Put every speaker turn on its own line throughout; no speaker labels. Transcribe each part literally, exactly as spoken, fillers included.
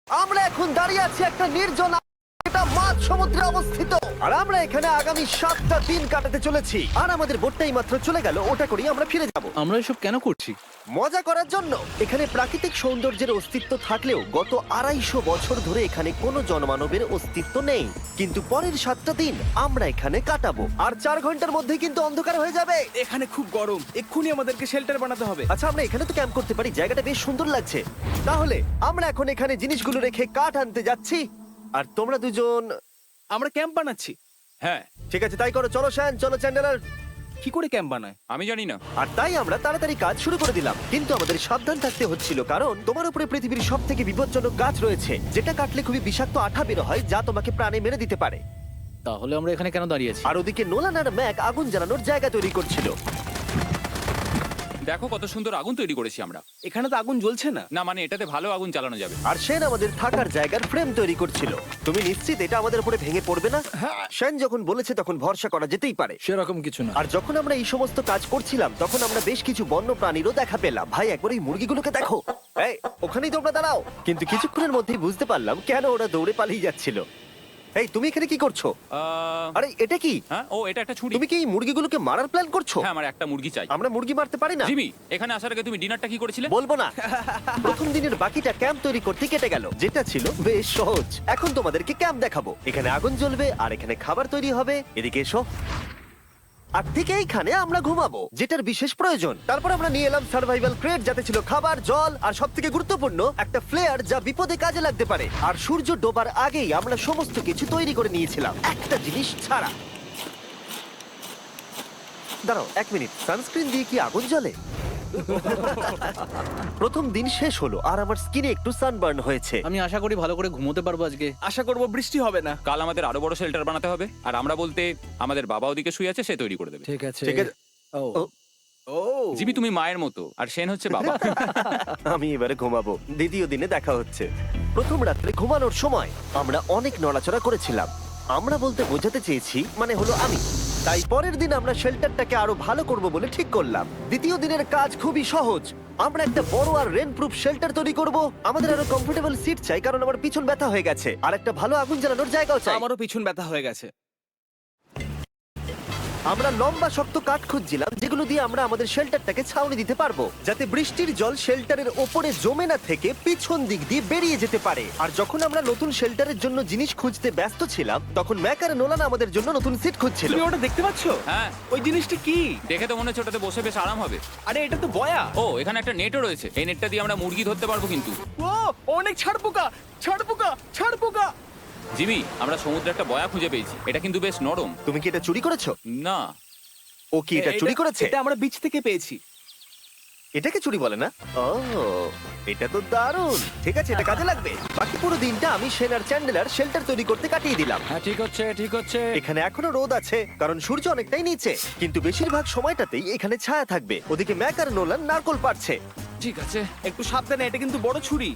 আমরা এখন দাঁড়িয়ে আছি একটা নির্জন এটা মাঝ সমুদ্রে অবস্থিত, আর আমরা এখানে আগামী সাতটা দিন কাটাতে চলেছি। আর আমাদের বোটটাই মাত্র চলে গেল, ওটা করেই আমরা ফিরে যাব
আমরা এসব কেন করছি?
মজা করার জন্য। এখানে প্রাকৃতিক সৌন্দর্যের অস্তিত্ব থাকলেও গত আড়াইশো বছর ধরে এখানে কোনো জনমানবের অস্তিত্ব নেই। কিন্তু পরের সাতটা দিন আমরা এখানে কাটাবো, আর চার ঘন্টার মধ্যে কিন্তু অন্ধকার হয়ে যাবে।
এখানে খুব গরম, এক্ষুনি আমাদেরকে শেল্টার বানাতে হবে।
আচ্ছা, আমরা এখানে তো ক্যাম্প করতে পারি, জায়গাটা বেশ সুন্দর লাগছে। তাহলে আমরা এখন এখানে জিনিসগুলো রেখে কাঠ আনতে যাচ্ছি, আর তোমরা দুজন।
আমরা ক্যাম্প বানাচ্ছি।
হ্যাঁ,
ঠিক আছে, তাই করো। চলো শ্যান, চলো চ্যান্ডেলার।
কি করে ক্যাম্প বানায়?
আমি জানি না।
আর তাই আমরা তাড়াতাড়ি কাজ শুরু করে দিলাম, কিন্তু আমাদের সাবধান থাকতে হচ্ছিল, কারণ তোমার উপরে পৃথিবীর সব থেকে বিপজ্জনক গাছ রয়েছে, যেটা কাটলে খুবই বিষাক্ত আঠা বের হয়, যা তোমাকে প্রাণে মেরে দিতে পারে।
তাহলে আমরা এখানে কেন দাঁড়িয়ে আছি?
আর ওদিকে নোলান আর ম্যাক আগুন জ্বালানোর জায়গা তৈরি করছিল।
দেখো কত সুন্দর আগুন তৈরি করেছি আমরা।
এখানে তো আগুন জ্বলছে না।
না মানে এটাতে ভালো আগুন চালানো যাবে।
আর সেন আমাদের থাকার জায়গার ফ্রেম তৈরি করছিল। তুমি নিশ্চিত এটা আমাদের উপরে ভেঙে পড়বে না? সেন যখন বলেছে তখন ভরসা করা যেতেই পারে।
সেরকম কিছু না।
আর যখন আমরা এই সমস্ত কাজ করছিলাম তখন আমরা বেশ কিছু বন্য প্রাণীরও দেখা পেলাম। ভাই, একবার এই মুরগিগুলোকে দেখো। এই, ওখানেই তোমরা দাঁড়াও। কিন্তু কিছুক্ষণের মধ্যেই বুঝতে পারলাম কেন ওরা দৌড়ে পালিয়ে যাচ্ছিল। এই, তুমি এখানে কি করছো?
আহ,
আরে এটা কি?
হ্যাঁ, ও এটা একটা ছুরি।
তুমি কি এই মুরগিগুলোকে মারার প্ল্যান করছো?
হ্যাঁ, আমার একটা মুরগি চাই।
আমরা মুরগি মারতে পারি না।
জিমি, এখানে আসার আগে তুমি ডিনারটা কি করেছিলে?
বলবো না। প্রথম দিনের বাকিটা ক্যাম্প তৈরি করতে কেটে গেল, যেটা ছিল বেশ সহজ। এখন তোমাদেরকে ক্যাম্প দেখাবো। এখানে আগুন জ্বলবে আর এখানে খাবার তৈরি হবে। এদিকে এসো। আর ঠিক এইখানে আমরা ঘুমাবো, যেটার বিশেষ প্রয়োজন। তারপর আমরা নিয়ে এলাম সার্ভাইভাল ক্রেট, যাতে ছিল খাবার, জল আর সবথেকে গুরুত্বপূর্ণ একটা ফ্লেয়ার, যা বিপদে কাজে লাগতে পারে। আর সূর্য ডোবার আগেই আমরা সমস্ত কিছু তৈরি করে নিয়েছিলাম, একটা জিনিস ছাড়া। দাঁড়াও এক মিনিট, সানস্ক্রিন দিয়ে কি আগুন জ্বলে? প্রথম দিন শেষ হলো আর আমার স্কিনে একটু সানবার্ন হয়েছে।
আমি আশা করি ভালো করে ঘুমোতে পারবো আজকে।
আশা করব বৃষ্টি হবে না।
কাল আমাদের আরো বড় শেল্টার বানাতে হবে, আর আমরা বলতে আমাদের বাবা ওদিকে শুয়ে আছে, সে তৈরি করে দেবে।
ঠিক আছে।
ঠিক আছে।
ও
ও,
ও
জিমি তুমি মায়ের মতো, আর সেন হচ্ছে বাবা।
আমি এবারে ঘুমাবো। দ্বিতীয় দিনে দেখা হচ্ছে। প্রথম রাত্রে ঘুমানোর সময় আমরা অনেক নড়াচড়া করেছিলাম। আমরা বলতে বোঝাতে চেয়েছি, মানে হলো আমি। তাই পরের দিন আমরা শেল্টারটাকে আরো ভালো করব বলে ঠিক করলাম। দ্বিতীয় দিনের কাজ খুবই সহজ। আমরা একটা বড় আর রেন প্রুফ শেল্টার তৈরি করব। আমাদের আরো কমফোর্টেবল সিট চাই, কারণ আমার পিছন ব্যথা হয়ে গেছে, আর একটা ভালো আগুন জ্বালানোর জায়গাও চাই।
আমারও পিছন ব্যথা হয়ে গেছে।
আমরা লম্বা শক্ত কাঠ খুঁজছিলাম, যেগুলো দিয়ে আমরা আমাদের শেল্টারটাকে ছাউনি দিতে পারবো, যাতে বৃষ্টির জল শেল্টারের ওপরে জমে না থেকে পিছন দিক দিয়ে বেরিয়ে যেতে পারে। আর যখন আমরা নতুন শেল্টারের জন্য জিনিস খুঁজতে ব্যস্ত ছিলাম, তখন ম্যাক আর নোলান আমাদের জন্য নতুন সিট খুঁজছিল।
তুমি ওটা দেখতে পাচ্ছো?
হ্যাঁ,
ওই জিনিসটা কি?
দেখে তো মনে হচ্ছে ওটাতে বসে বেশ আরাম হবে।
আরে এটা তো বয়া।
ও, এখানে একটা নেটও রয়েছে। এই নেটটা দিয়ে আমরা মুরগি ধরতে পারবো। কিন্তু
ও অনেক ছাড় পোকা, ছাড় পোকা, ছাড় পোকা।
জিমি, আমরা সমুদ্রে একটা বয়া খুঁজে পেয়েছি। এটা কিন্তু বেশ নরম।
তুমি কি এটা চুরি করেছো?
না,
ও কি এটা চুরি করেছে?
এটা আমরা বিচ থেকে পেয়েছি।
এটাকে চুরি বলে না? ও, এটা তো দারুণ। ঠিক আছে, এটা কাজে লাগবে। বাকি পুরো দিনটা আমি সেন আর চ্যান্ডেলার শেল্টার তৈরি করতে কাটিয়ে দিলাম।
হ্যাঁ, ঠিক হচ্ছে, ঠিক হচ্ছে।
এখানে এখনো রোদ আছে, কারণ সূর্য অনেকটাই নিচে, কিন্তু বেশিরভাগ সময়টাতেই এখানে ছায়া থাকবে। ওদিকে ম্যাক আর নোলান নারকল পাড়ছে।
ঠিক আছে।
একটু সাবধানে, এটা কিন্তু বড় ছুরি।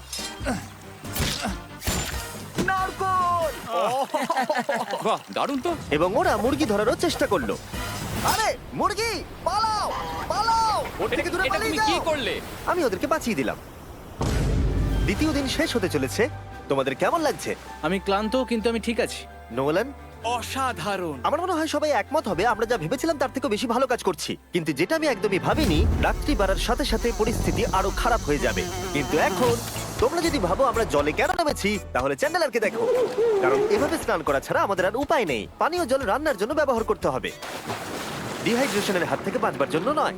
নারকল।
বাহ, দারুণ তো।
এবং ওরা মুরগি ধরারও চেষ্টা করলো। আরে মুরগি, পালাও পালাও, ওর থেকে দূরে
এটা
পালিয়ে
তুমি কি
যাও।
করলে?
আমি ওদেরকে বাঁচিয়ে দিলাম। দ্বিতীয় দিন শেষ হতে চলেছে। তোমাদের কেমন লাগছে?
আমি ক্লান্ত, কিন্তু আমি ঠিক আছি।
নোলান?
অসাধারণ।
আমার মনে হয় সবাই একমত হবে, আমরা যা ভেবেছিলাম তার থেকে বেশি ভালো কাজ করছি। কিন্তু যেটা আমি একদমই ভাবিনি, রাত্রি বাড়ার সাথে সাথে পরিস্থিতি আরো খারাপ হয়ে যাবে। কিন্তু এখন তোমরা যদি ভাবো আমরা জলে কেন নেমেছি, তাহলে চ্যান্ডেলারকে দেখো। কারণ এভাবে স্নান করা ছাড়া আমাদের আর উপায় নেই। পানীয় জল রান্নার জন্য ব্যবহার করতে হবে, ডিহাইড্রেশনের হাত থেকে বাঁচবার জন্য নয়।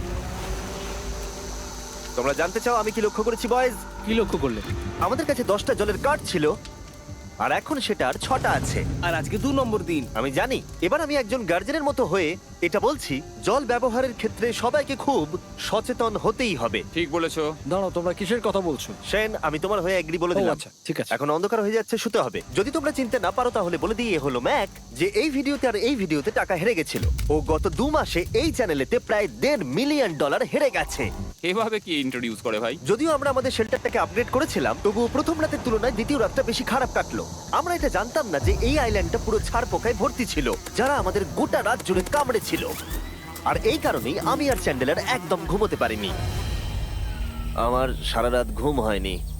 তোমরা জানতে চাও আমি কি লক্ষ্য করেছি বয়েজ?
কি লক্ষ্য করলে?
আমাদের কাছে দশটা জলের কার্ড ছিল, আর এখন সেটা আর ছটা আছে।
আর আজকে দু নম্বর দিন।
আমি জানি। এবার আমি একজন গার্জেনের মতো হয়ে এটা বলছি, জল ব্যবহারের ক্ষেত্রে সবাইকে খুব সচেতন হতেই হবে।
ঠিক বলেছো।
দাঁড়াও, তোমরা কিসের কথা বলছো?
সেন, আমি তোমার হয়ে এগ্রি বলে
ও,
দিলাম।
আচ্ছা, ঠিক আছে।
এখন অন্ধকার হয়ে যাচ্ছে, শুতে হবে। যদি তোমরা চিনতে না পারো তাহলে বলে দিয়ে হলো ম্যাক, যে এই ভিডিওতে আর এই ভিডিওতে টাকা হেরে গেছিল। ও গত দু মাসে এই চ্যানেলেতে প্রায় দেড় মিলিয়ন ডলার হেরে গেছে।
এভাবে কি ইন্ট্রোডিউস করে ভাই?
যদিও আমরা আমাদের শেল্টারটাকে আপগ্রেড করেছিলাম, তবুও প্রথম রাতের তুলনায় দ্বিতীয় রাতটা বেশি খারাপ কাটলো। আমরা এটা জানতাম না যে এই আইল্যান্ডটা পুরো ছাড় পোকায় ভর্তি ছিল, যারা আমাদের গোটা রাত জুড়ে কামড়েছিল। আর এই কারণেই আমি আর চ্যান্ডেলার একদম ঘুমোতে পারিনি। আমার সারা রাত ঘুম হয়নি।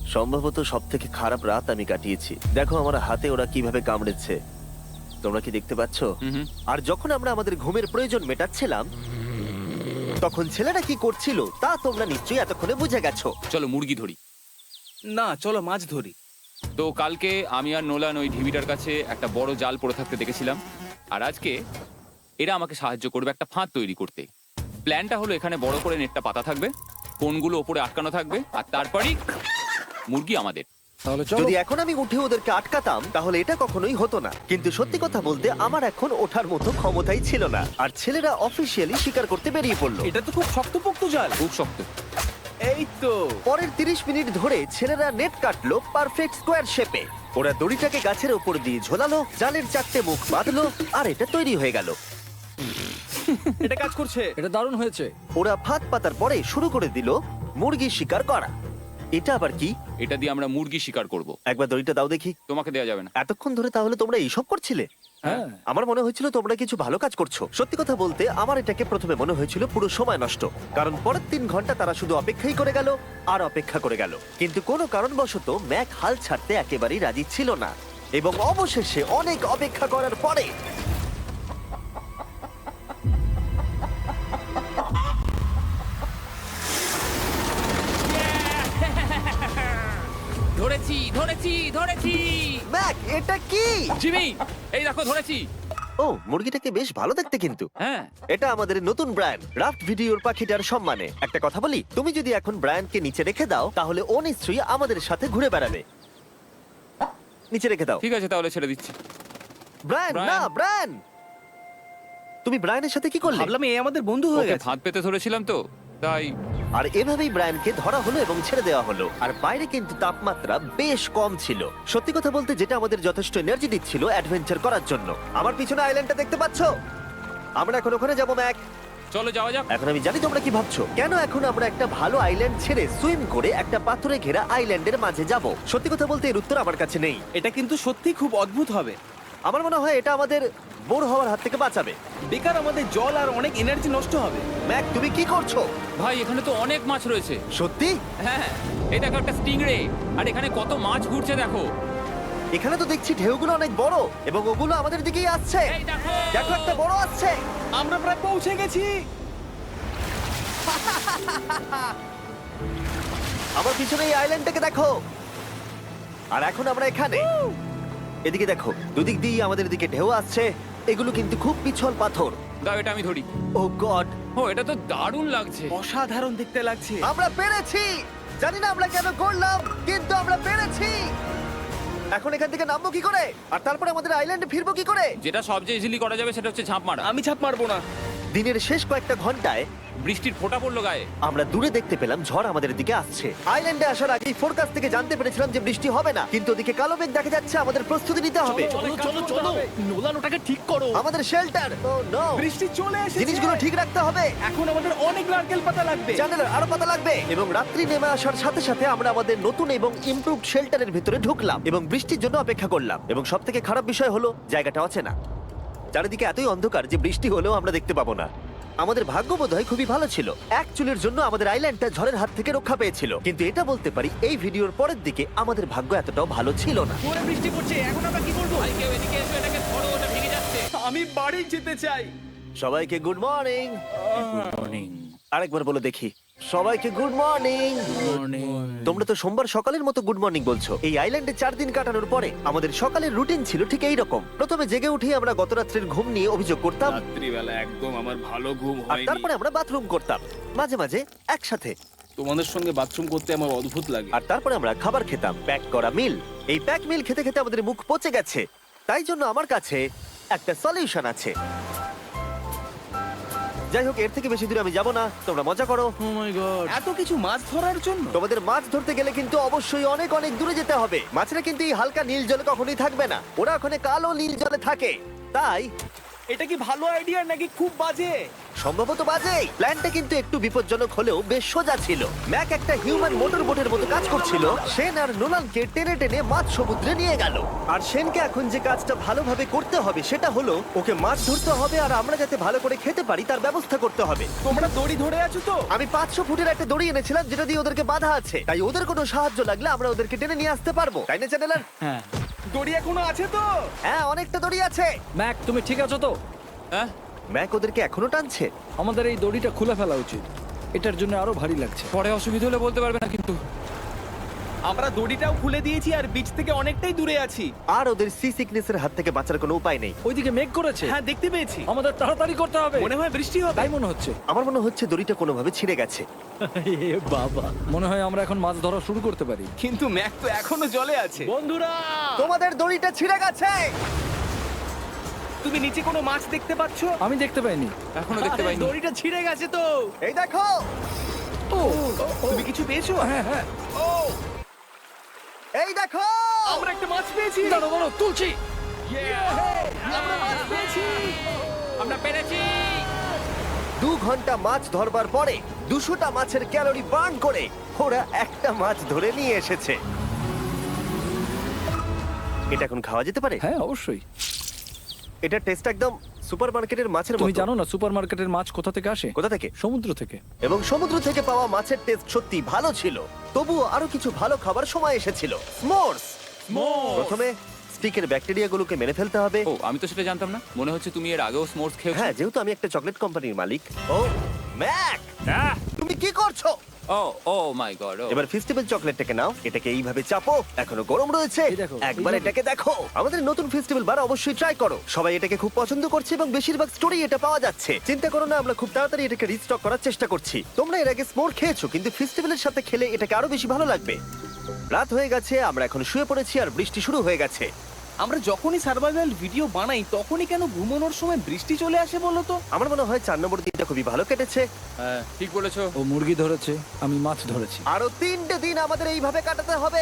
সম্ভবত সব থেকে খারাপ রাত আমি কাটিয়েছি। দেখো আমার হাতে ওরা কিভাবে কামড়েছে, তোমরা কি দেখতে পাচ্ছ?
হুম হুম।
আর যখন আমরা আমাদের ঘুমের প্রয়োজন মেটাচ্ছিলাম, তখন ছেলেরা কি করছিল তা তোমরা নিশ্চয়ই এতক্ষণে বুঝে গেছো।
চলো মুরগি ধরি।
না, চলো মাছ ধরি।
তো কালকে আমি আর নোলান ওই ঢিবিটার কাছে একটা বড় জাল পড়ে থাকতে দেখেছিলাম, আর আজকে এরা আমাকে সাহায্য করবে একটা ফাঁদ তৈরি করতে। প্ল্যানটা হলো এখানে বড় করে নেটটা পাতা থাকবে, কোনগুলো ওপরে আটকানো থাকবে, আর তারপরেই মুরগি আমাদের।
তাহলে চলো।
যদি এখন আমি উঠে ওদেরকে আটকাতাম তাহলে এটা কখনোই হতো না, কিন্তু সত্যি কথা বলতে আমার এখন ওঠার মতো ক্ষমতাই ছিল না। আর ছেলেরা অফিসিয়ালি স্বীকার করতে বেরিয়ে পড়লো।
এটা তো খুব শক্তপোক্ত জাল।
খুব শক্ত।
এই তো।
পরের তিরিশ মিনিট ধরে ছেলেরা নেট কাটলো পারফেক্ট স্কোয়ার শেপে। ওরা দড়িটাকে গাছের ওপর দিয়ে ঝোলালো, জালের চারটে মুখ বাঁধলো, আর এটা তৈরি হয়ে গেল।
এটা কাজ করছে।
এটা দারুণ হয়েছে।
ওরা ফাঁদ পাতার পরে শুরু করে দিল মুরগি শিকার করা। এটা আবার কি?
এটা দিয়ে আমরা মুরগি শিকার করব।
একবার দড়িটা দাও দেখি।
তোমাকে দেওয়া যাবে না।
এতক্ষণ ধরে তাহলে তোমরা এইসব করছিলে?
হ্যাঁ।
আমার মনে হয়েছিল তোমরা কিছু ভালো কাজ করছো। সত্যি কথা বলতে আমার এটাকে প্রথমে মনে হয়েছিল পুরো সময় নষ্ট, কারণ পরের তিন ঘন্টা তারা শুধু অপেক্ষাই করে গেল আর অপেক্ষা করে গেল। কিন্তু কোনো কারণবশত ম্যাক হাল ছাড়তে একেবারেই রাজি ছিল না, এবং অবশেষে অনেক অপেক্ষা করার পরে
ধরেছি ধরেছি ধরেছি।
ম্যাক, এটা কি?
জিমি, এই দেখো ধরেছি।
ও, মুরগিটাকে বেশ ভালো দেখতে কিন্তু।
হ্যাঁ।
এটা আমাদের নতুন ব্র্যান্ড রাফট ভিডিওর পাখিটার সম্মানে। একটা কথা বলি, তুমি যদি এখন ব্র্যান্ডকে নিচে রেখে দাও তাহলে ও নিশ্চয়ই আমাদের সাথে ঘুরে বেড়াবে। নিচে রেখে দাও।
ঠিক আছে, তাহলে ছেড়ে দিচ্ছি।
Brian,
Brian.
না ব্রায়ান, তুমি ব্রায়ানের সাথে কি করলে?
ভাবলাম এই আমাদের বন্ধু হয়ে
ওকে
গেছে।
ফাঁদ পেতে ধরেছিলাম তো, তাই।
আর এভাবেই ব্রায়ানকে ধরা হলো এবং ছেড়ে দেওয়া হলো। আর বাইরে কিন্তু তাপমাত্রা বেশ কম ছিল। সত্যি কথা বলতে যেটা আমাদের যথেষ্ট এনার্জি দিচ্ছিল অ্যাডভেঞ্চার করার জন্য। আমার পিছনে আইল্যান্ডটা দেখতে পাচ্ছো? আমরা এখন ওখানে যাবো ম্যাক।
চলো যাওয়া যাক।
এখন আমি জানি তোমরা কি ভাবছো, কেন এখন আমরা একটা ভালো আইল্যান্ড ছেড়ে সুইম করে একটা পাথরে ঘেরা আইল্যান্ডের মাঝে যাব? সত্যি কথা বলতে এর উত্তর আমার কাছে নেই।
এটা কিন্তু সত্যি খুব অদ্ভুত হবে।
আমার মনে হয় এটা আমাদের বোর হওয়ার হাত থেকে বাঁচাবে।
বেকার আমাদের জল আর অনেক এনার্জি নষ্ট হবে।
ম্যাক, তুমি কি করছো?
ভাই এখানে তো অনেক মাছ রয়েছে।
সত্যি?
হ্যাঁ, এই দেখো একটা স্টিংরে, আর এখানে কত মাছ ঘুরছে দেখো।
এখানে তো দেখছি ঢেউগুলো অনেক বড় এবং ওগুলো আমাদের দিকেই আসছে।
এই দেখো।
দেখো, একটা বড় আসছে।
আমরা প্রায় পৌঁছে গেছি।
আমার পিছনে এই আইল্যান্ডটাকে দেখো। আর এখন আমরা এখানে। এদিকে দেখো, দুদিক দিয়ে আমাদের দিকে ঢেউ আসছে। এগুলো কিন্তু খুব পিছল পাথর।
দাও, এটা আমি ধরি।
ও গড,
ও, এটা তো দারুণ লাগছে।
অসাধারণ দেখতে লাগছে।
আমরা পেরেছি। জানি না আমরা কেন করলাম, কিন্তু আমরা পেরেছি। এখন এখান থেকে নামবো কি করে, আর তারপরে আমাদের আইল্যান্ডে ফিরবো কি করে?
যেটা সবচেয়ে ইজিলি করা যাবে সেটা হচ্ছে ঝাঁপ মারা।
আমি ছাপ মারবো না।
দিনের শেষ কয়েকটা ঘন্টায়
বৃষ্টির ফোঁটা পড়লো গায়ে।
আমরা দূরে দেখতে পেলাম ঝড় আমাদের দিকে আসছে। আইল্যান্ডে আসার আগেই ফোরকাস্ট থেকে জানতে পেরেছিলাম যে বৃষ্টি হবে না, কিন্তু ওদিকে কালো মেঘ দেখা যাচ্ছে। আমাদের প্রস্তুতি নিতে হবে।
চলো চলো চলো, নোলান ওটাকে ঠিক করো।
আমাদের শেল্টার, ও নো,
বৃষ্টি চলে এসেছে।
জিনিসগুলো ঠিক রাখতে হবে।
এখন আমাদের অনেক নারকেল পাতা লাগবে।
জানালার আরো পাতা লাগবে। এবং রাত্রি নেমে আসার সাথে সাথে আমরা আমাদের নতুন এবং ইমপ্রুভড শেল্টারের ভিতরে ঢুকলাম এবং বৃষ্টির জন্য অপেক্ষা করলাম। এবং সব থেকে খারাপ বিষয় হলো জায়গাটা অচেনা। চারিদিকে এতই অন্ধকার যে বৃষ্টি হলেও আমরা দেখতে পাবো না। আমাদের ভাগ্য বোধহয় খুবই ভালো ছিল। এক চুলের জন্য আমাদের আইল্যান্ডটা ঝড়ের হাত থেকে রক্ষা পেয়েছিল, কিন্তু এটা বলতে পারি এই ভিডিওর পরের দিকে আমাদের ভাগ্য এতটাও ভালো ছিল না।
জোরে বৃষ্টি পড়ছে, এখন আমরা কি করব?
ভাই কেউ এদিকে এসো, এটাকে ধরো, ওটা ভেঙে যাচ্ছে।
আমি বাড়ি যেতে চাই।
সবাইকে গুড মর্নিং।
মর্নিং।
আরেকবার বলে দেখি, সবাইকে গুড মর্নিং।
মর্নিং।
তোমরা তো সোমবার সকালের মতো গুড মর্নিং বলছো। এই আইল্যান্ডে চার দিন কাটানোর পরে আমাদের সকালের রুটিন ছিল ঠিক এই রকম। প্রথমে জেগে উঠে আমরা গত রাত্রের ঘুম নিয়ে অভিযোগ করতাম,
রাত্রিবেলা একদম আমার ভালো ঘুম
আর
হয়নি।
তারপরে আমরা বাথরুম করতাম, মাঝে মাঝে একসাথে।
তোমাদের সঙ্গে বাথরুম করতে আমার অদ্ভুত লাগে।
আর তারপরে আমরা খাবার খেতাম, প্যাক করা মিল। এই প্যাক মিল খেতে খেতে আমাদের মুখ পচে গেছে, তাই জন্য আমার কাছে একটা সলিউশন আছে। যাই হোক, এর থেকে বেশি দূরে আমি যাব না, তোমরা মজা করো।
Oh my God.
এত কিছু মাছ ধরার জন্য?
তোমাদের মাছ ধরতে গেলে কিন্তু অবশ্যই অনেক অনেক দূরে যেতে হবে। মাছেরা কিন্তু এই হালকা নীল জলে কখনোই থাকবে না, ওরা ওখানে কালো নীল জলে থাকে। তাই
এটা কি ভালো আইডিয়া নাকি খুব বাজে?
সম্ভবত বাজে। প্ল্যানটা কিন্তু একটু বিপজ্জনক হলেও বেশ সোজা ছিল। ম্যাক একটা হিউম্যান মোটর বোটের মতো কাজ করছিল। শেন আর নোলানকে টেনে টেনে মাছ সমুদ্রে নিয়ে গেল। আর শেনকে এখন যে কাজটা ভালোভাবে করতে হবে সেটা হলো ওকে মাছ ধরতে হবে আর আমরা যাতে ভালো করে খেতে পারি তার ব্যবস্থা করতে হবে।
তোমরা দড়ি ধরে আছো তো?
আমি পাঁচশো ফুটের একটা দড়ি এনেছিলাম যেটা দিয়ে ওদেরকে বাধা আছে, তাই ওদের কোনো সাহায্য লাগলে আমরা ওদেরকে টেনে নিয়ে আসতে পারবো, তাই না চ্যানেলার?
হ্যাঁ
দড়ি এখনো আছে তো?
হ্যাঁ, অনেকটা দড়ি আছে।
ম্যাক, তুমি ঠিক আছো তো?
হ্যাঁ
ম্যাক ওদেরকে এখনো টানছে।
আমাদের এই দড়িটা খুলে ফেলা উচিত, এটার জন্য আরো ভারী লাগছে।
পরে অসুবিধা হলে বলতে পারবে না কিন্তু।
আমরা দড়িটাও খুলে দিয়েছি আর বিচ থেকে অনেকটাই দূরে আছি।
আর ওদের সি সিকনেসের হাত থেকে বাঁচার কোনো উপায় নেই।
ওইদিকে মেঘ করেছে।
হ্যাঁ, দেখতে পেয়েছি।
আমাদের তাড়াতাড়ি করতে হবে।
মনে হয় বৃষ্টি হবে।
তাই মনে হচ্ছে।
আমার মনে হচ্ছে দড়িটা কোনোভাবে ছিঁড়ে গেছে।
এ বাবা, মনে হয় আমরা এখন মাছ ধরা শুরু করতে পারি।
কিন্তু ম্যাক তো এখনো জলে আছে।
বন্ধুরা,
তোমাদের দড়িটা ছিঁড়ে গেছে।
তুমি নিচে কোনো মাছ দেখতে পাচ্ছ?
আমি দেখতে পাইনি।
এখনো দেখতে পাইনি।
দড়িটা ছিঁড়ে গেছে তো।
এই দেখো।
ও,
তুমি কিছু পেয়েছো?
হ্যাঁ হ্যাঁ,
ও,
এই দেখো।
আমরা একটা মাছ পেয়েছি।
দাঁড়ো দাঁড়ো, তুলছি।
আমরা মাছ পেয়েছি।
আমরা পেরেছি।
দু ঘন্টা মাছ ধরবার পরে দুশোটা মাছের ক্যালোরি বার্ন করে ওরা একটা মাছ ধরে নিয়ে এসেছে। এটা এখন খাওয়া যেতে পারে?
হ্যাঁ অবশ্যই।
এটা টেস্ট একদম সুপারমার্কেটের মাছের
তুমি
মতো।
জানো না সুপারমার্কেটের মাছ কোথা থেকে আসে?
কোথা থেকে?
সমুদ্র থেকে।
এবং সমুদ্র থেকে পাওয়া মাছের টেস্ট সত্যি ভালো ছিল। তবুও আরো কিছু ভালো খাবার সময় এসেছিল। স্মোর্স। প্রথমে স্টিকের ব্যাকটেরিয়াগুলোকে মেরে ফেলতে হবে।
ও, আমি তো সেটা জানতাম না। মনে হচ্ছে তুমি এর আগেও স্মোর্টস খেয়েছো।
হ্যাঁ, যেহেতু আমি একটা চকলেট কোম্পানির মালিক। ও ম্যাক,
আহ!
তুমি কি করছো?
ও ও মাই গড।
এবার ফেস্টিভ্যাল চকলেটটাকে নাও, এটাকে এইভাবে চাপো, এখনো গরম রয়েছে।
এই দেখো,
একবার
এইভাবে।
এটাকে দেখো। আমাদের নতুন ফেস্টিভ্যাল বার অবশ্যই ট্রাই করো। সবাই এটাকে খুব পছন্দ করছে এবং বেশিরভাগ স্টোরি এটা পাওয়া যাচ্ছে। চিন্তা করো না, আমরা খুব তাড়াতাড়ি এটাকে রিস্টক করার চেষ্টা করছি। তোমরা এর আগে স্মোর খেয়েছো, কিন্তু ফেস্টিভ্যালের সাথে খেলে এটাকে আরো বেশি ভালো লাগবে। রাত হয়ে গেছে, আমরা এখন শুয়ে পড়েছি আর বৃষ্টি শুরু হয়ে গেছে।
আমরা যখনই সার্ভাইভাল ভিডিও বানাই তখনই কেন ঘুমানোর সময় বৃষ্টি চলে আসে বলো তো?
আমার মনে হয় চার নম্বর দিনটা খুবই ভালো কেটেছে।
হ্যাঁ, ঠিক বলেছো।
ও মুরগি ধরেছে, আমি মাছ ধরেছি।
আরো তিনটে দিন আমাদের এইভাবে কাটাতে হবে।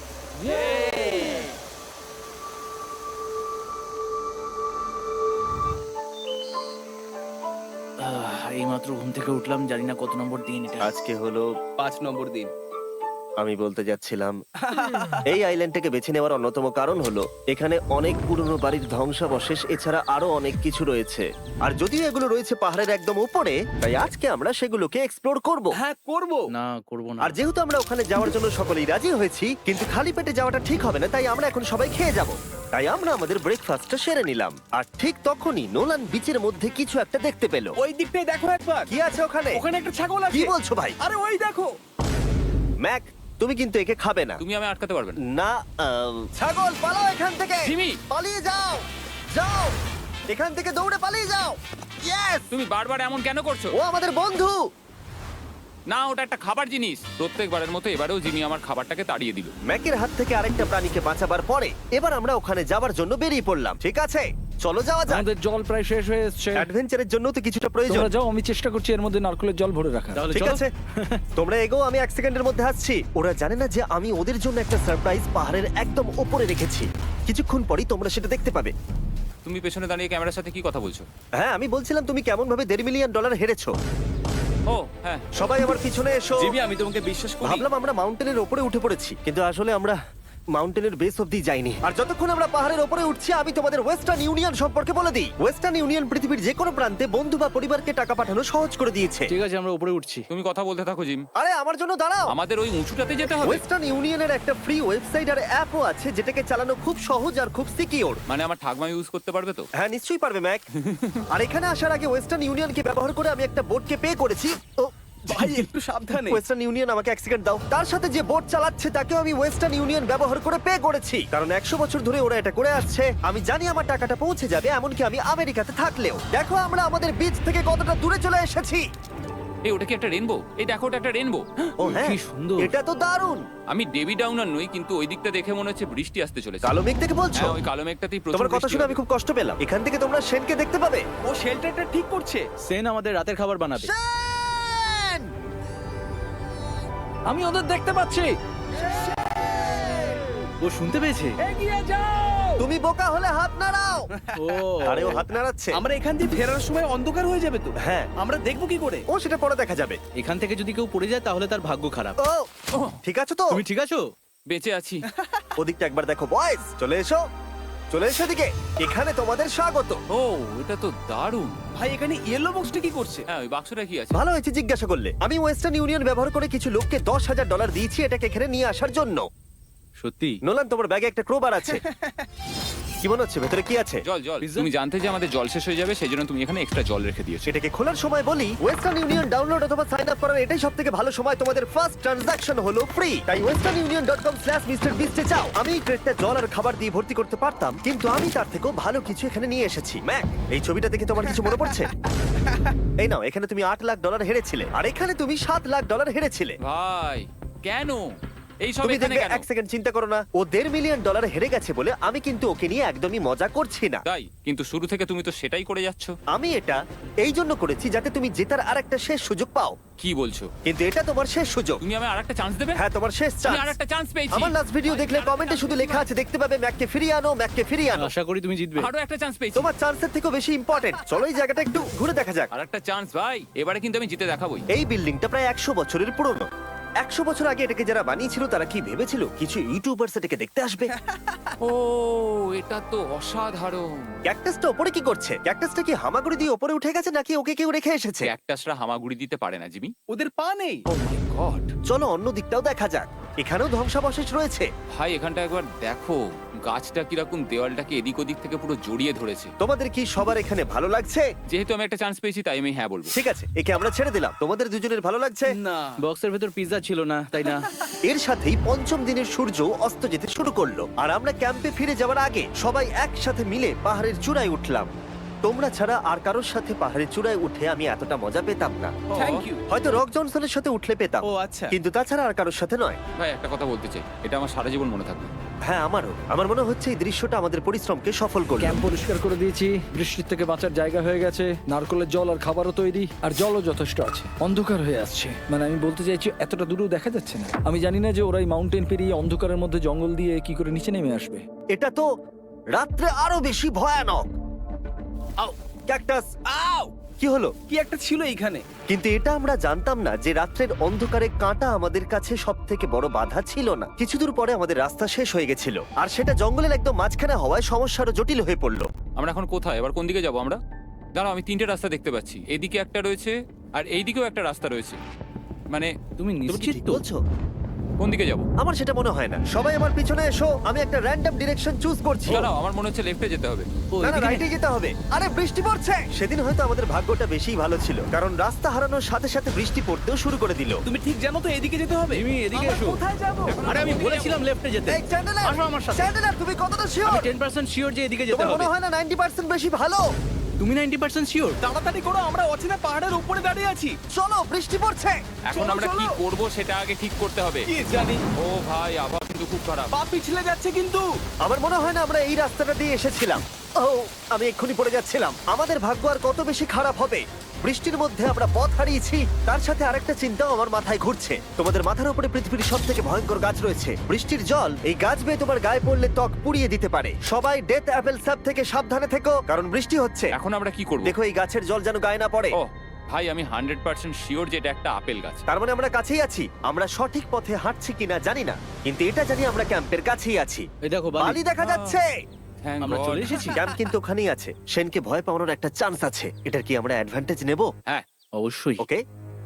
এই মাত্র ঘুম থেকে উঠলাম, জানি না কত নম্বর দিন এটা।
আজকে হলো
পাঁচ নম্বর দিন।
আমি বলতে যাচ্ছিলাম এই আইল্যান্ডটাকে বেছে নেওয়ার অন্যতম কারণ হলো এখানে অনেক পুরনো বাড়ির ধ্বংসাবশেষ এছাড়া আরো অনেক কিছু রয়েছে। আর যদিও এগুলো রয়েছে পাহাড়ের একদম উপরে, তাই আজকে আমরা সেগুলোকে এক্সপ্লোর করব।
হ্যাঁ, করব।
না করব না।
আর যেহেতু আমরা ওখানে যাওয়ার জন্য সকলেই রাজি হয়েছি, কিন্তু খালি পেটে যাওয়াটা ঠিক হবে না, তাই আমরা এখন সবাই খেয়ে যাব। তাই আমরা আমাদের ব্রেকফাস্টটা সেরে নিলাম। আর ঠিক তখনই নোলান বিচের মধ্যে কিছু একটা দেখতে পেল।
ওই দিকটাই দেখো একবার।
কি আছে ওখানে?
ওখানে একটা ছাগল
কি
আছে।
বলছো ভাই?
আরে ওই দেখো।
ম্যাক, তুমি কিন্তু একে খাবে না।
তুমি আমি আটকাতে পারবে না।
না, আম, ছাগল পালাও এখান থেকে।
জিমি!
পালিয়ে যাও, যাও এখান থেকে, দৌড়ে পালিয়ে যাও। ইয়েস,
তুমি বারবার এমন কেন করছো?
ও আমাদের বন্ধু।
না, ওটা একটা খাবার জিনিস। প্রত্যেকবারের মতো এবারেও জিমি আমার খাবারটাকে তাড়িয়ে দিল।
ম্যাকের হাত থেকে আরেকটা প্রাণীকে বাঁচাবার পরে এবার আমরা ওখানে যাবার জন্য বেরিয়ে পড়লাম। ঠিক আছে, চলো যাওয়া যাক।
আমাদের জল প্রায় শেষ হয়ে এসেছে।
অ্যাডভেঞ্চারের জন্য তো কিছুটা প্রয়োজন।
তোমরা যাও, আমি চেষ্টা করছি এর মধ্যে নারকেলের জল ভরে রাখা।
তাহলে
ঠিক
চলো।
আছে, তোমরা এগো, আমি এক সেকেন্ডের মধ্যে আসছি। ওরা জানে না যে আমি ওদের জন্য একটা সারপ্রাইজ পাহাড়ের একদম উপরে রেখেছি। কিছুক্ষণ পরেই তোমরা সেটা দেখতে পাবে।
তুমি পেছনে দাঁড়িয়ে ক্যামেরার সাথে কি কথা বলছো?
হ্যাঁ, আমি বলছিলাম তুমি কেমন ভাবে দেড় মিলিয়ন ডলার হেরেছো।
ও হ্যাঁ।
সবাই আমার পিছনে এসো।
জিমি, আমি তোমাকে বিশ্বাস করি।
ভাবলাম আমরা মাউন্টেনের উপরে উঠে পড়েছি, কিন্তু আসলে আমরা মাউন্টেনের বেস অব্দি যাইনি। আর যতক্ষণ আমরা পাহাড়ের উপরে উঠছি, আমি তোমাদের ওয়েস্টার্ন ইউনিয়ন সম্পর্কে বলে দিই। ওয়েস্টার্ন ইউনিয়ন পৃথিবীর যে কোনো প্রান্তে বন্ধু বা পরিবারকে টাকা পাঠানো সহজ করে দিয়েছে।
ঠিক আছে, আমরা উপরে উঠছি।
তুমি কথা বলতে থাকো জিম।
আরে আমার জন্য দাঁড়াও।
আমাদের ওই উঁচুটাতে যেতে হবে।
ওয়েস্টার্ন ইউনিয়নের একটা ফ্রি ওয়েবসাইট আর অ্যাপও আছে যেটাকে চালানো খুব সহজ আর খুব সিকিউর।
মানে আমার ঠাকমা ইউজ করতে পারবে তো?
হ্যাঁ, নিশ্চয়ই পারবে ম্যাক। আর এখানে আসার আগে ওয়েস্টার্ন ইউনিয়নকে ব্যবহার করে আমি একটা বোটকে পে করেছি। ও
ভাই, একটু সাবধানে।
ওয়েস্টার্ন ইউনিয়ন আমাকে এক সেকেন্ড দাও। তার সাথে যে বোট চালাচ্ছে তাকেও আমি ওয়েস্টার্ন ইউনিয়ন ব্যবহার করে পে করেছি, কারণ একশো বছর ধরে ওরা এটা করে আসছে। আমি জানি আমার টাকাটা পৌঁছে যাবে, এমনকি আমি আমেরিকাতে থাকলেও। দেখো আমরা আমাদের বিচ থেকে কতটা দূরে চলে এসেছি।
এই ওটা কি একটা রেনবো? এই দেখো, ওটা একটা রেনবো।
ও হ্যাঁ,
কি সুন্দর।
এটা তো দারুণ।
আমি ডেভি ডাউনার নই, কিন্তু ওই দিকটা দেখে মনে হচ্ছে বৃষ্টি আসতে চলেছে।
কালো মেঘ দেখে বলছো?
হ্যাঁ, ওই কালো মেঘটাতেই প্রচুর
তোমার কথা
বৃষ্টি
শুনে
হবে।
আমি খুব কষ্ট পেলাম। এখান থেকে তোমরা শেনকে দেখতে পাবে।
ও শেল্টারটা ঠিক করছে।
সেন আমাদের রাতের খাবার বানাবে।
শেন!
আমি ওদের দেখতে পাচ্ছি।
ও শুনতে পেয়েছে।
তুমি বোকা হলে হাত নাড়াও।
ও
আরে ও হাত নাড়াচ্ছে।
আমরা এখান দিয়ে ফেরার সময় অন্ধকার হয়ে যাবে তো।
হ্যাঁ।
আমরা দেখবো কি করে?
ও সেটা পরে দেখা যাবে।
এখান থেকে যদি কেউ পড়ে যায় তাহলে তার ভাগ্য খারাপ।
ও ঠিক আছে তো?
তুমি ঠিক আছো?
বেঁচে আছি।
ওদিকটা একবার দেখো বয়েজ, চলে এসো, চলে এসো দিকে। এখানে তোমাদের স্বাগত।
ও এটা তো দারুণ।
ভাই এখানে ইয়েলো বক্সটা কি করছে?
হ্যাঁ ওই বাক্সটা কি আছে?
ভালো হয়েছে জিজ্ঞাসা করলে। আমি ওয়েস্টার্ন ইউনিয়ন ব্যবহার করে কিছু লোককে দশ হাজার ডলার দিয়েছি এটাকে এখানে নিয়ে আসার জন্য।
সত্যি?
নোলান, তোমার ব্যাগে একটা ক্রোবার আছে। কি মনে হচ্ছে ভেতরে কি আছে?
জল জল
Pizza?
তুমি জানতে যে আমাদের জল শেষ হয়ে যাবে সেই জন্য তুমি এখানে এক্সট্রা জল রেখে দিয়েছো।
সেটাকে খোলার সময় বলি, ওয়েস্টার্ন ইউনিয়ন ডাউনলোড অথবা সাইন আপ করার এটাই সব থেকে ভালো সময়। তোমাদের ফার্স্ট ট্রানজাকশন হলো ফ্রি। তাই Western Union dot com slash mister বিস্টে যাও। আমি এই ক্রেটটা জল আর খাবার দিয়ে ভর্তি করতে পারতাম, কিন্তু আমি তার থেকেও ভালো কিছু এখানে নিয়ে এসেছি। ম্যাক, এই ছবিটা দেখে তোমার কিছু মনে পড়ছে? এই নাও, এখানে তুমি আট লাখ ডলার হেরেছিলে, আর এখানে তুমি সাত লাখ ডলার হেরেছিলে।
ভাই কেন এই সব
তুমি
এখানে
দেখবে,
কেন?
এক সেকেন্ড চিন্তা করো না। ও দেড় মিলিয়ন ডলার হেরে গেছে বলে আমি কিন্তু ওকে নিয়ে একদমই মজা করছি না।
তাই কিন্তু শুরু থেকে তুমি তো সেটাই করে যাচ্ছ।
আমি এটা এই জন্য করেছি যাতে তুমি জেতার আর একটা শেষ সুযোগ পাও,
কি বলছো?
কিন্তু এটা তোমার শেষ সুযোগ।
তুমি আমায় আরেকটা চান্স দেবে?
হ্যাঁ, তোমার শেষ
আমি
চান্স।
আরেকটা চান্স পেয়েছি।
আমার লাস্ট ভিডিও দেখলে কমেন্টে শুধু লেখা আছে, দেখতে পাবে ম্যাককে ফিরিয়ে আনো, ম্যাককে ফিরিয়ে আনো।
আশা করি তুমি জিতবে।
আরো একটা চান্স পেয়েছি।
তোমার চান্সের থেকেও বেশি ইম্পর্টেন্ট। চলো এই জায়গাটা একটু ঘুরে দেখা যাক।
আর একটা চান্স ভাই, এবারে কিন্তু আমি জিতে দেখাবোই।
এই বিল্ডিংটা প্রায় একশো বছরের পুরনো। একশো বছর আগে এটাকে যারা বানিয়েছিল তারা কি ভেবেছিল কিছু ইউটিউবার্স এটাকে দেখতে আসবে?
ও এটা তো অসাধারণ।
ক্যাকটাসটা ওপরে কি করছে? ক্যাকটাসটা কি হামাগুড়ি দিয়ে ওপরে উঠে গেছে নাকি ওকে কেউ রেখে এসেছে?
ক্যাকটাসরা হামাগুড়ি দিতে পারে না জিমি।
ওদের পা নেই।
Oh my God.
চলো অন্য দিকটাও দেখা যাক। এখানেও ধ্বংসাবশেষ রয়েছে।
ভাই এখানটা একবার দেখো, গাছটা কিরকম দেওয়ালটাকে এদিক ওদিক থেকে পুরো জড়িয়ে ধরেছে।
তোমাদের কি সবার এখানে ভালো লাগছে?
যেহেতু আমি একটা চান্স পেয়েছি তাই আমি হ্যাঁ বলবো।
ঠিক আছে, একে আমরা ছেড়ে দিলাম। তোমাদের দুজনের ভালো লাগছে?
না, বক্সের ভেতর পিৎজা ছিল না, তাই না?
এর সাথেই পঞ্চম দিনের সূর্য অস্ত যেতে শুরু করলো, আর আমরা ক্যাম্পে ফিরে যাওয়ার আগে সবাই একসাথে মিলে পাহাড়ের চূড়ায় উঠলাম। তোমরা ছাড়া আর কারোর সাথে পাহাড়ের চূড়ায় উঠে আমি এতটা মজা পেতাম না।
Thank you.
হয়তো রক জনসনের সাথে উঠলে পেতাম,
ও আচ্ছা।
কিন্তু তাছাড়া আর কারোর সাথে নয়।
ভাই একটা কথা বলতে চাই, এটা আমার সারা জীবন মনে থাকবে।
হ্যাঁ, আমারও। আমার মনে হচ্ছে এই দৃশ্যটা আমাদের পরিশ্রমকে সফল করলো।
ক্যাম্প পরিষ্কার করে দিয়েছি, বৃষ্টির থেকে বাঁচার জায়গা হয়ে গেছে, নারকেলের জল আর খাবারও তৈরি, আর জলও যথেষ্ট আছে। অন্ধকার হয়ে আসছে, মানে আমি বলতে চাইছি এতটা দূরেও দেখা যাচ্ছে না। আমি জানি না যে ওরা এই মাউন্টেন পেরিয়ে অন্ধকারের মধ্যে জঙ্গল দিয়ে কি করে নিচে নেমে আসবে।
এটা তো রাত্রে আরো বেশি ভয়ানক।
আউ,
ক্যাকটাস,
আউ!
কি হলো?
কি একটা ছিল এইখানে।
কিন্তু এটা আমরা জানতাম না যে রাত্রের অন্ধকারে কাঁটা আমাদের কাছে সব থেকে বড় বাধা ছিল না। কিছু দূর পরে আমাদের রাস্তা শেষ হয়ে গেছিল, আর সেটা জঙ্গলের একদম মাঝখানে হওয়ায় সমস্যা আরো জটিল হয়ে পড়লো।
আমরা এখন কোথায়, এবার কোন দিকে যাবো আমরা? দাঁড়াও, আমি তিনটে রাস্তা দেখতে পাচ্ছি। এদিকে একটা রয়েছে আর এইদিকেও একটা রাস্তা রয়েছে। মানে
তুমি
তুমি কি
নিশ্চিত
ঠিক
তো?
বলছো?
কোন দিকে যাবো?
আমার সেটা মনে হয় না। সবাই আমার পিছনে এসো, আমি একটা র্যান্ডম ডিরেকশন চুজ করছি।
দাঁড়াও, আমার মনে হচ্ছে লেফটে যেতে হবে।
ও,
না না,
এদিকে-
রাইটে যেতে হবে। আরে বৃষ্টি পড়ছে। সেদিন হয়তো আমাদের ভাগ্যটা বেশি ভালো ছিল, কারণ রাস্তা হারানোর সাথে সাথে বৃষ্টি পড়তেও শুরু করে দিল।
তুমি ঠিক জানো তো এদিকে যেতে হবে?
জিমি, এদিকে
আমরা
এসো।
কোথায় যাবো?
আরে আমি বলেছিলাম লেফটে যেতে।
এই চ্যান্ডেলার,
আসো আমার সাথে।
চ্যান্ডেলার, তুমি কতটা শিওর?
আমি টেন পার্সেন্ট শিওর যে এদিকে যেতে
তোমার
হবে।
মনে হয় না নাইনটি পার্সেন্ট বেশি ভালো?
তুমি নাইনটি পার্সেন্ট শিওর?
তাড়াতাড়ি করো, আমরা অচেনা পাহাড়ের উপরে দাঁড়িয়ে আছি।
চলো, বৃষ্টি পড়ছে।
এখন
চলো,
আমরা কি
চলো।
করব সেটা আগে ঠিক করতে হবে।
কি জানি,
ও ভাই, আবার কিন্তু খুব খারাপ।
পা পিছলে যাচ্ছে কিন্তু।
আমার মনে হয় না আমরা এই রাস্তাটা দিয়ে এসেছিলাম। ও, আমি এক্ষুনি পড়ে যাচ্ছিলাম। আমাদের ভাগ্য আর কত বেশি খারাপ হবে। বৃষ্টির মধ্যে আমরা পথ হারিয়েছি, তার সাথে আরেকটা চিন্তাও আমার মাথায় ঘুরছে। তোমাদের মাথার উপরে পৃথিবীর সব থেকে ভয়ঙ্কর গাছ রয়েছে। বৃষ্টির জল এই গাছ বেয়ে তোমার গায়ে পড়লে ত্বক পুড়িয়ে দিতে পারে। সবাই ডেথ অ্যাপেল স্যাপ থেকে সাবধানে থেকো, কারণ বৃষ্টি হচ্ছে।
এখন আমরা কি করব?
দেখো, এই গাছের জল যেন গায়ে না পড়ে।
ও ভাই, আমি হান্ড্রেড পার্সেন্ট শিওর যে এটা একটা আপেল গাছ।
তার মানে আমরা কাছেই আছি। আমরা সঠিক পথে হাঁটছি কিনা জানি না, কিন্তু এটা জানি আমরা ক্যাম্পের কাছেই আছি।
এই দেখো
বালি
বালি।
দেখা যাচ্ছে।
Thank
আমরা
God.
চলে এসেছি।
ক্যাম্প কিন্তু ওখানেই আছে। সেনকে ভয় পাওয়ানোর একটা চান্স আছে। এটার কি আমরা অ্যাডভান্টেজ নেব?
হ্যাঁ,
অবশ্যই।
ওকে,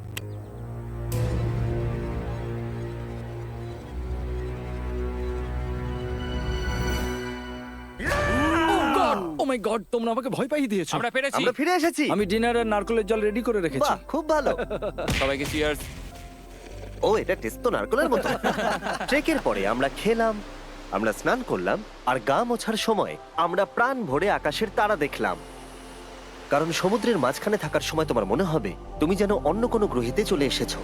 ও মাই গড, তোমরা আমাকে ভয় পাইয়ে দিয়েছো।
আমরা পেরেছি।
আমরা ফিরে এসেছি।
আমি ডিনার আর নারকেলের জল রেডি করে রেখেছি।
বাহ, খুব ভালো।
সবাইকে চিয়ার্স।
ও, এটা টেস্ট তো নারকেলের মতো। ট্রেকের পরে আমরা খেলাম, আমরা স্নান করলাম, আর গা মোছার সময় আমরা প্রাণ ভরে আকাশের তারা দেখলাম। কারণ সমুদ্রের মাঝখানে থাকার সময় তোমার মনে হবে তুমি যেন অন্য কোনো গ্রহেতে চলে এসেছো।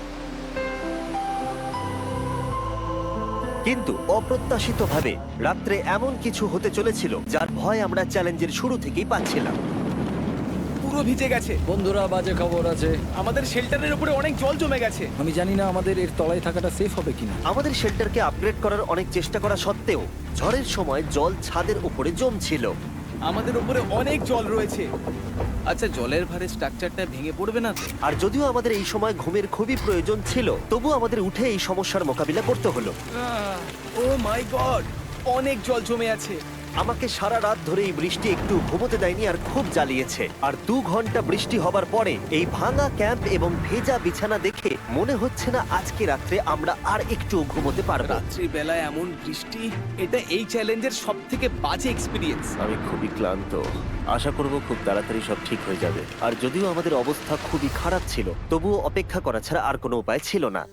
কিন্তু অপ্রত্যাশিতভাবে রাত্রে এমন কিছু হতে চলেছিল যার ভয় আমরা চ্যালেঞ্জের শুরু থেকেই পাচ্ছিলাম।
ও পুরো ভিজে গেছে।
বন্ধুরা, বাজে খবর আছে।
আমাদের শেল্টারের উপরে অনেক জল জমে গেছে।
আমি জানি না আমাদের এর তলায় থাকাটা সেফ হবে কিনা।
আমাদের শেল্টারকে আপগ্রেড করার অনেক চেষ্টা করা সত্ত্বেও ঝড়ের সময় জল ছাদের উপরে জমছিল।
আমাদের উপরে অনেক জল রয়েছে। আচ্ছা, জলের ভারে স্ট্রাকচারটা ভেঙে পড়বে না তো?
আর যদিও আমাদের এই সময় ঘুমের খুবই প্রয়োজন ছিল, তবু আমাদের উঠে এই সমস্যার মোকাবিলা করতে হলো।
ও মাই গড, অনেক জল জমে আছে।
আমাকে সারা রাত ধরে এই বৃষ্টি একটু ঘুমোতে দেয়নি আর খুব জ্বালিয়েছে। আর দু ঘন্টা বৃষ্টি হবার পরে এই ভাঙা ক্যাম্প এবং ভেজা বিছানা দেখে মনে হচ্ছে না আজকে রাত্রে আমরা আর একটু ঘুমোতে পারবো।
রাত্রি বেলায় এমন বৃষ্টি, এটা এই চ্যালেঞ্জের সব থেকে বাজে এক্সপিরিয়েন্স।
আমি খুবই ক্লান্ত। আশা করব খুব তাড়াতাড়ি সব ঠিক হয়ে যাবে। আর যদিও আমাদের অবস্থা খুবই খারাপ ছিল, তবুও অপেক্ষা করা ছাড়া আর কোনো উপায় ছিল না।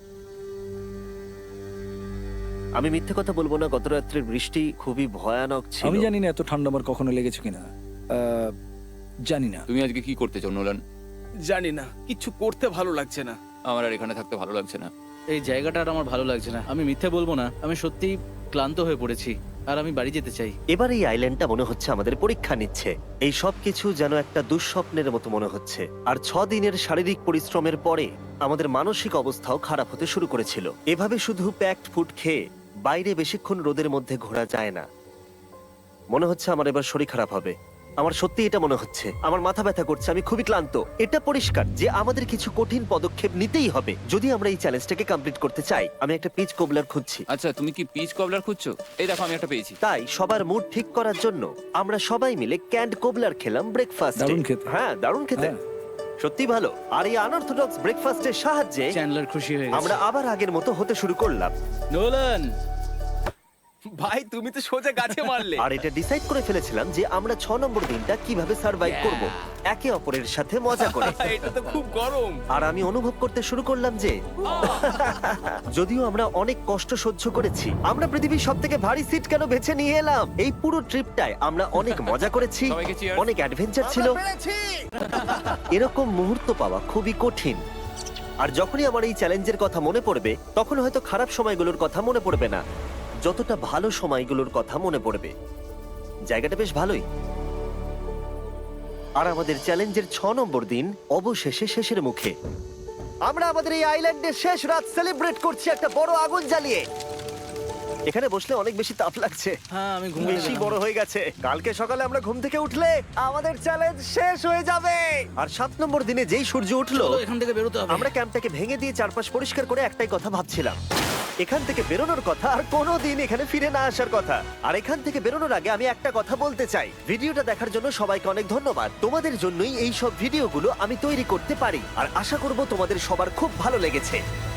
আমি মিথ্যে কথা বলবো না, গত রাত্রের বৃষ্টি খুবই ভয়ানক ছিল।
আমি জানি না এত ঠান্ডা আমার কখনো লেগেছে কিনা। আহ, জানি না।
তুমি আজকে কি করতে চাও নোলান?
জানি না, কিছু করতে ভালো লাগছে না।
আমার আর এখানে থাকতে ভালো লাগছে না।
এই জায়গাটা আর আমার ভালো লাগছে না। আমি মিথ্যে বলবো না, আমি সত্যি ক্লান্ত হয়ে পড়েছি আর আমি বাড়ি যেতে চাই।
এবার এই আইল্যান্ডটা মনে হচ্ছে আমাদের পরীক্ষা নিচ্ছে। এই সব কিছু যেন একটা দুঃস্বপ্নের মতো মনে হচ্ছে। আর ছ দিনের শারীরিক পরিশ্রমের পরে আমাদের মানসিক অবস্থাও খারাপ হতে শুরু করেছিল। এভাবে শুধু প্যাকড ফুড খেয়ে বাইরে বেশিক্ষণ রোদের মধ্যে ঘোরা যায় না। মনে হচ্ছে আমার এবার শরীর খারাপ হবে। আমার সত্যি এটা মনে হচ্ছে। আমার মাথা ব্যথা করছে, আমি খুবই ক্লান্ত। এটা পরিষ্কার যে আমাদের কিছু কঠিন পদক্ষেপ নিতেই হবে যদি আমরা এই চ্যালেঞ্জটাকে কমপ্লিট করতে চাই। আমি একটা পিচ কোবলার খুঁজছি।
আচ্ছা, তুমি কি পিচ কবলার খুঁজছো? এই দেখো, আমি একটা পেয়েছি।
তাই সবার মুড ঠিক করার জন্য আমরা সবাই মিলে ক্যান্ড কোবলার খেলাম ব্রেকফাস্ট।
দারুণ খেতে।
হ্যাঁ, দারুণ খেতে,
হ্যাঁ।
সত্যি ভালো। আর এই আনঅর্থোডক্স ব্রেকফাস্টের সাহায্যে
চ্যান্ডলার খুশি হয়ে গেছে।
আমরা আবার আগের মতো হতে শুরু করলাম।
নোলান,
ভাই, তুমি তো সোজা গাছে মারলে।
আর এটা ডিসাইড করে ফেলেছিলাম যে আমরা ছ নম্বর দিনটা কিভাবে সার্ভাইভ করব, একে অপরের সাথে মজা করে।
এটা তো খুব গরম।
আর আমি অনুভব করতে শুরু করলাম যে যদিও আমরা অনেক কষ্ট সহ্য করেছি, আমরা পৃথিবীর সব থেকে ভারী সিট কেন বেছে নিয়ে এলাম। এই পুরো ট্রিপটায় আমরা অনেক মজা করেছি,
সবাইকে cheers।
অনেক অ্যাডভেঞ্চার ছিল। এরকম মুহূর্ত পাওয়া খুবই কঠিন। আর যখনই আমার এই চ্যালেঞ্জের কথা মনে পড়বে, তখন হয়তো খারাপ সময়গুলোর কথা মনে পড়বে না, যতটা ভালো সময়গুলোর কথা মনে পড়বে। জায়গাটা বেশ ভালোই। আর আমাদের চ্যালেঞ্জের ছ নম্বর দিন অবশেষে শেষের মুখে। আমরা আমাদের এই আইল্যান্ডের শেষ রাত সেলিব্রেট করছি একটা বড় আগুন জ্বালিয়ে। এখানে বসলে অনেক বেশি তাপ লাগছে।
হ্যাঁ, আমি ঘুমিয়ে
বেশি
গেলাম।
বড় হয়ে গেছে। কালকে সকালে আমরা ঘুম থেকে উঠলে আমাদের চ্যালেঞ্জ শেষ হয়ে যাবে। আর সাত নম্বর দিনে যেই সূর্য উঠলো,
চলো, এখান থেকে বেরোতে হবে।
আমরা ক্যাম্পটাকে ভেঙে দিয়ে চারপাশ পরিষ্কার করে একটাই কথা ভাবছিলাম, এখান থেকে বেরোনোর কথা, আর কোনোদিন এখানে ফিরে না আসার কথা। আর এখান থেকে বেরোনোর আগে আমি একটা কথা বলতে চাই, ভিডিওটা দেখার জন্য সবাইকে অনেক ধন্যবাদ। তোমাদের জন্যই এই সব ভিডিওগুলো আমি তৈরি করতে পারি, আর আশা করব তোমাদের সবার খুব ভালো লেগেছে।